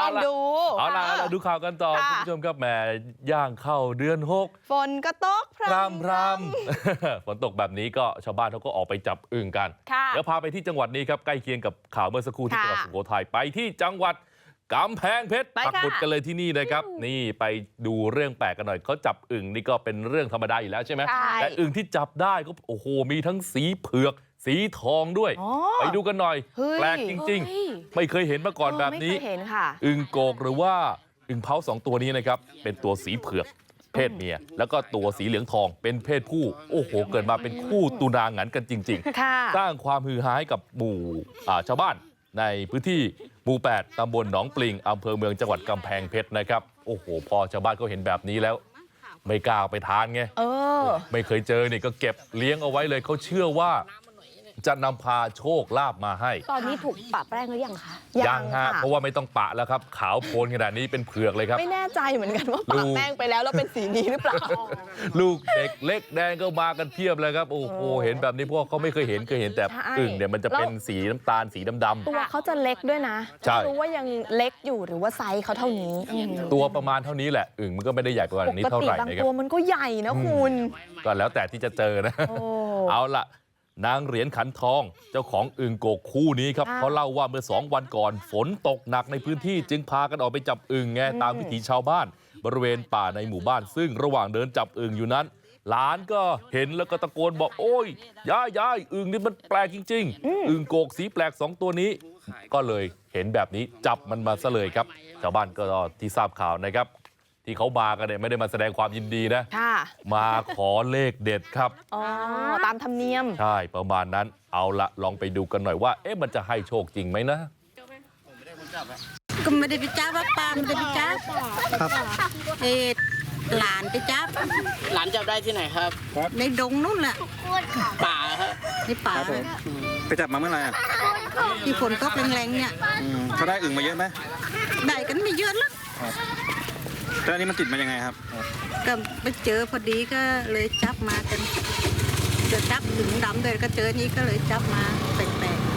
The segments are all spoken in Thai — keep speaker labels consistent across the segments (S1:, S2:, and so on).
S1: องดู
S2: เอาล่ะเราดูข่าวกันต่อคุณผู้ชมครับแหมย่างเข้าเดือน6
S1: ฝนก็ตกพร
S2: ำฝนตกแบบนี้ก็ชาวบ้านเขาก็ออกไปจับอึ่งกันเดี๋ยวพาไปที่จังหวัดนี้ครับใกล้เคียงกับข่าวเมื่อสักครู่ที่จังหวัดสุโขทัยไปที่จังหวัดกำแพงเพชรปักหมุดกันเลยที่นี่นะครับนี่ไปดูเรื่องแปลกกันหน่อยเขาจับอึ่งนี่ก็เป็นเรื่องธรรมดาอยู่แล้วใช่ไหมแต่อึ่งที่จับได้ก็โอ้โหมีทั้งสีเผือกสีทองด้วยไปดูกันหน่อยแปลกจริงๆไม่เคยเห็นมาก่อนแบบนี้อึ่งโกกหรือว่าอึ่งเผา2ตัวนี้นะครับเป็นตัวสีเผือกเพศเมียแล้วก็ตัวสีเหลืองทองเป็นเพศผู้โอ้โหเกิดมาเป็นคู่ตุนางันกันจริงๆสร้างความฮือฮาให้กับหมู่ชาวบ้านในพื้นที่หมู่ 8 ตำบลหนองปลิงอำเภอเมืองจังหวัดกำแพงเพชรนะครับโอ้โหพอชาวบ้านเขาเห็นแบบนี้แล้วไม่กล้าไปทานไงไม่เคยเจอนี่ก็เก็บเลี้ยงเอาไว้เลยเขาเชื่อว่าจะนำพาโชคลาภมาให้
S3: ตอนนี้ถูกปะแป้งหรือยังคะ
S2: ยังฮะเพราะว่าไม่ต้องปะแล้วครับขาวโพลนขนาดนี้เป็นเผือกเลยครับ
S1: ไม่แน่ใจเหมือนกันว่าปะแป้งไปแล้วเป็นสีนี้หรือเปล่า
S2: ลูกเด็กเล็กแดงก็มากันเพียบเลยครับโอ้โหเห็นแบบนี้พวกเขาไม่เคยเห็นแต่อึ่งเนี่ยมันจะเป็นสีน้ำตาลสีดำๆ
S1: ตัวเขาจะเล็กด้วยนะไม่รู้ว่ายังเล็กอยู่หรือว่าไซส์เขาเท่านี้
S2: ตัวประมาณเท่านี้แหละอึ่งมันก็ไม่ได้ใหญ่กว่านี้เท่าไหร่นะครับ
S1: ตัวมันก็ใหญ่นะคุณ
S2: ก็แล้วแต่ที่จะเจอนะเอาล่ะนางเหรียญขันทองเจ้าของอึ่งโกกคู่นี้ครับเขาเล่าว่าเมื่อ2 วันก่อนฝนตกหนักในพื้นที่จึงพากันออกไปจับอึ่งไงตามวิถีชาวบ้านบริเวณป่าในหมู่บ้านซึ่งระหว่างเดินจับอึ่งอยู่นั้นหลานก็เห็นแล้วก็ตะโกนบอกโอ้ยยายอึ่งนี่มันแปลกจริงๆอึ่งโกกสีแปลก2 ตัวนี้ก็เลยเห็นแบบนี้จับมันมาซะเลยครับชาวบ้านก็ที่ทราบข่าวนะครับที่เขามากันเนี่ยไม่ได้มาแสดงความยินดีนะมาขอเลขเด็ดครับ
S1: ตามธรรมเนียม
S2: ใช่ประมาณนั้นเอาละลองไปดูกันหน่อยว่ามันจะให้โชคจริงไหมนะ
S4: ก็ไม่ได้ไปจับว่าป้าไม่ได้ไปจับครับหลานไปจับ
S5: หลานจับได้ที่ไหนครับ
S4: ในดงนู่นแหละ
S5: ป่าครับ
S4: ในป่า
S6: ไปจับมาเมื่อไหร่
S4: ที่ฝนตกแรงๆเนี่ย
S6: เขาได้อึ่งมาเยอะไหม
S4: ได้กันไม่เยอะแล้ว
S6: แล้วอันนี้มันติดมายังไงครับ
S4: ก็ไปเจอพอดีก็เลยจับมากันจะจับถึงดำเลยก็เจอนี้ก็เลยจับมาแปลก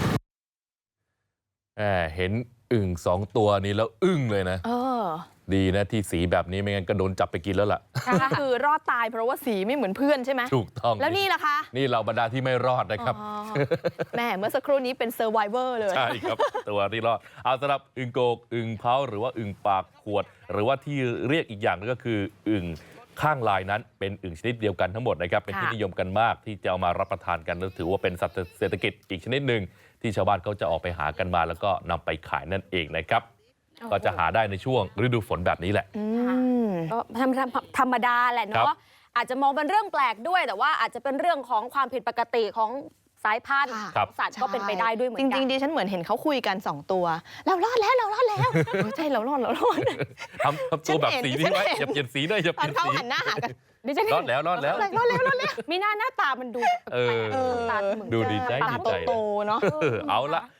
S2: ๆเห็นอึ่ง2 ตัวนี้แล้วอึ้งเลยนะดีนะที่สีแบบนี้ไม่งั้นก็โดนจับไปกินแล้วล่ะ
S1: คือรอดตายเพราะว่าสีไม่เหมือนเพื่อนใช่ไหม
S2: ถูกต้อง
S1: แล้วนี่ล่ะคะ
S2: นี่เราบรรดาที่ไม่รอดนะครับ
S1: แม่เมื่อสักครู่นี้เป็นเซอร์ไวเวอร์เลย
S2: ใช่ครับตัวที่รอดเอาสำหรับอึ่งโกกอึ่งเผาหรือว่าอึ่งปากขวดหรือว่าที่เรียกอีกอย่างนึงก็คืออึ่งข้างลายนั้นเป็นอึ่งชนิดเดียวกันทั้งหมดนะครับเป็นที่นิยมกันมากที่จะเอามารับประทานกันและถือว่าเป็นสัตว์เศรษฐกิจอีกชนิดหนึ่งที่ชาวบ้านเขาจะออกไปหากันมาแล้วก็นำไปขายนั่นเองนะครับก็จะหาได้ในช่วงฤดูฝนแบบนี้แหละ
S3: ก็ธรรมดาแหละเนาะอาจจะมองเป็นเรื่องแปลกด้วยแต่ว่าอาจจะเป็นเรื่องของความผิดปกติของสายพันธุ์สัตว์ก็เป็นไปได้ด้วยเหมือนกัน
S1: จริงๆดิฉันเหมือนเห็นเขาคุยกัน2 ตัวเรารอดแล้วใช่เรารอด
S2: ทำตัวแบบสีนี้ไว้อย่าเปลี่ยนสีด้วยอย่าเปลี่ยนสี
S1: เขาหันหน้าหากัน
S2: รอดแล้ว
S3: มีหน้าตามันดู
S2: ดูดีใจ
S1: โตเนาะ
S2: เอาละ